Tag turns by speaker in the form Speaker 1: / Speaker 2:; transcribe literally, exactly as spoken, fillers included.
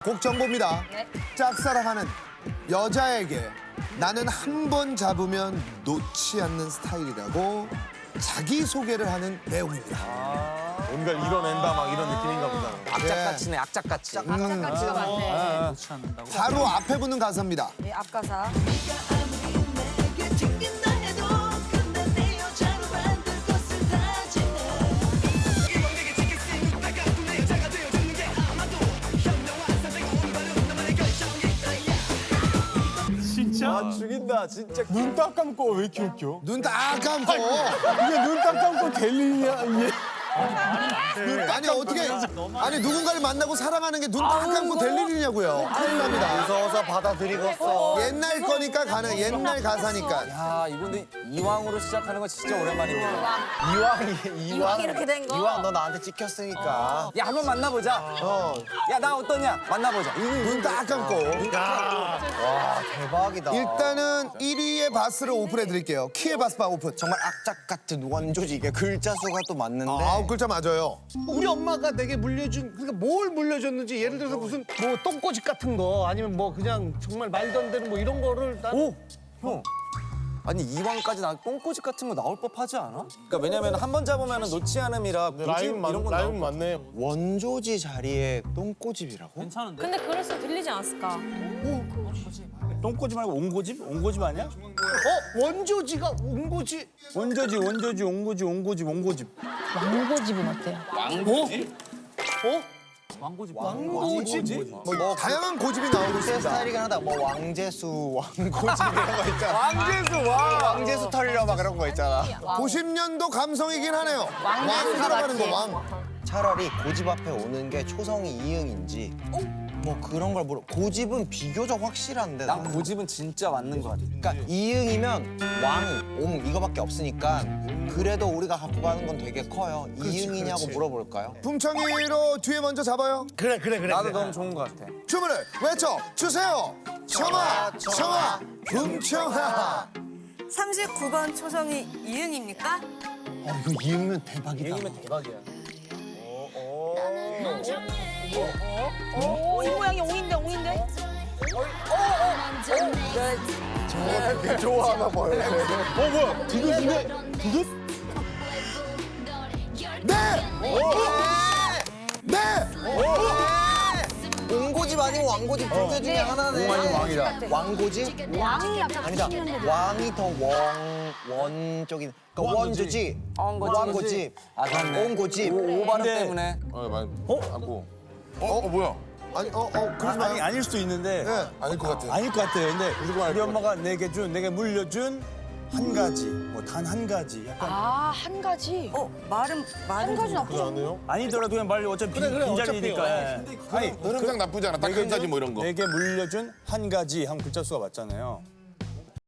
Speaker 1: 곡 정보입니다.
Speaker 2: 네.
Speaker 1: 짝사랑하는 여자에게 나는 한 번 잡으면 놓지 않는 스타일이라고 자기소개를 하는 내용입니다.
Speaker 3: 뭔가 이뤄낸다 막 이런 느낌인가 보다.
Speaker 4: 악착같이네, 악착같이.
Speaker 2: 악착같이가 많네.
Speaker 1: 바로 앞에 붙는 가사입니다.
Speaker 2: 네, 앞가사.
Speaker 3: 아 죽인다 진짜. 눈 딱 감고 왜 이렇게 웃겨?
Speaker 1: 눈 딱 감고.
Speaker 3: 이게 눈 딱 감고 될 일이야 이게.
Speaker 1: 아니 어떻게 아니 누군가를 만나고 사랑하는 게 눈 딱 감고 될 일이냐고요. 큰일 납니다.
Speaker 4: 무서워서 받아들이겠어.
Speaker 1: 옛날 거니까 가능. 옛날 가사니까.
Speaker 4: 야, 이거 근데 이왕으로 시작하는 거 진짜 오랜만입니다.
Speaker 2: 이왕이 이왕 이렇게 된 거.
Speaker 4: 이왕 너 나한테 찍혔으니까. 야, 한번 만나보자.
Speaker 1: 어.
Speaker 4: 야, 나 어떠냐? 만나보자.
Speaker 1: 눈 딱 감고.
Speaker 4: 와, 대박이다.
Speaker 1: 일단은 일 위의 바스를 오픈해 드릴게요. 키의 바스바 오픈.
Speaker 5: 정말 악착 같은 원조지. 이게 글자 수가 또 맞는데
Speaker 1: 아홉 글자 맞아요.
Speaker 6: 우리 엄마가 내게 물려준 그러니까 뭘 물려줬는지 예를 들어서 무슨 뭐 똥꼬집 같은 거 아니면 뭐 그냥 정말 말도 안 되는 뭐 이런 거를 난
Speaker 4: 오! 형. 아니, 이왕까지 나 똥꼬집 같은 거 나올 법하지 않아? 그러니까 왜냐면 한 번 잡으면 놓지 않음이라 굳이
Speaker 3: 라임 맞
Speaker 4: 이런 건
Speaker 3: 라임
Speaker 4: 나올
Speaker 3: 맞네.
Speaker 5: 원조지 자리에 똥꼬집이라고?
Speaker 2: 근데 그럴수록 들리지 않았을까?
Speaker 7: 똥꼬집 말고 옹고집? 옹고집 아니야?
Speaker 6: 어? 원조지가 온거지
Speaker 7: 원조지, 원조지, 옹고지, 옹고집, 옹고집.
Speaker 2: 왕고집은 어때요?
Speaker 6: 왕고집?
Speaker 1: 뭐 다양한 고집이 나오고
Speaker 5: 제
Speaker 1: 있습니다.
Speaker 5: 스타일이긴 하다. 뭐 왕재수, 왕고집 이런 거 있잖아.
Speaker 4: 왕재수, 와!
Speaker 5: 왕재수 털려 막 그런 거 있잖아.
Speaker 1: 구십 년도 감성이긴 하네요. 왕 들어가는 거 왕.
Speaker 5: 차라리 고집 앞에 오는 게 초성이 이응인지 뭐 그런 걸 물어. 고집은 비교적 확실한데
Speaker 4: 난
Speaker 5: 나는.
Speaker 4: 고집은 진짜 맞는 것 같아.
Speaker 5: 그러니까 이응이면 왕, 옹 이거밖에 없으니까 그래도 우리가 갖고 가는 건 되게 커요. 이응이냐고 물어볼까요?
Speaker 1: 품청이로 뒤에 먼저 잡아요.
Speaker 6: 그래 그래 그래
Speaker 4: 나도
Speaker 6: 그래.
Speaker 4: 너무 좋은 것 같아.
Speaker 1: 주문을 외쳐 주세요. 청아, 청아, 품청아.
Speaker 2: 삼십구 번 초성이 이응입니까?
Speaker 5: 어, 이거 이응이면 대박이다.
Speaker 4: 얘기면 대박이야.
Speaker 2: 이 모양이 옹인데 옹인데?
Speaker 3: 되게 좋아하나 봐요. 어 뭐야? 디귿인데? 디귿?
Speaker 1: 네. 네.
Speaker 5: 옹고집 아니면 왕고집 둘 개 중에 하나네.
Speaker 3: 옹 아니면 왕이다.
Speaker 5: 왕고집?
Speaker 2: 왕이 약간
Speaker 5: 아니다. 왕이 더 원, 원 쪽인. 그러니까 원조지.
Speaker 4: 왕고집.
Speaker 5: 왕고집.
Speaker 4: 아, 맞네.
Speaker 5: 옹고집.
Speaker 4: 오, 발음
Speaker 7: 근데-
Speaker 4: 때문에.
Speaker 3: 어 많이. 어? 안고. 어? 어 뭐야?
Speaker 1: 아니 어 어 그러지
Speaker 7: 아니,
Speaker 1: 마요.
Speaker 7: 아닐 수도 있는데.
Speaker 1: 네.
Speaker 3: 아닐 것 같아.
Speaker 7: 아닐 것 같아요. 근데
Speaker 3: 무조건 알
Speaker 7: 우리
Speaker 3: 것
Speaker 7: 엄마가 내게 준, 내게 물려준 한 가지, 뭐 단 한 가지. 약간
Speaker 2: 아, 한 가지. 어, 말은 말은 한 가지 나쁘지 않네.
Speaker 3: 않아요?
Speaker 7: 아니더라도 그냥 말 어차피
Speaker 6: 그래, 그래,
Speaker 7: 빈자리니까.
Speaker 6: 어차피.
Speaker 7: 예. 아니,
Speaker 3: 흐름상 나쁘지 않아. 딱 한 가지 뭐 이런 거.
Speaker 7: 내게 물려준 한 가지 한 글자 수가 맞잖아요.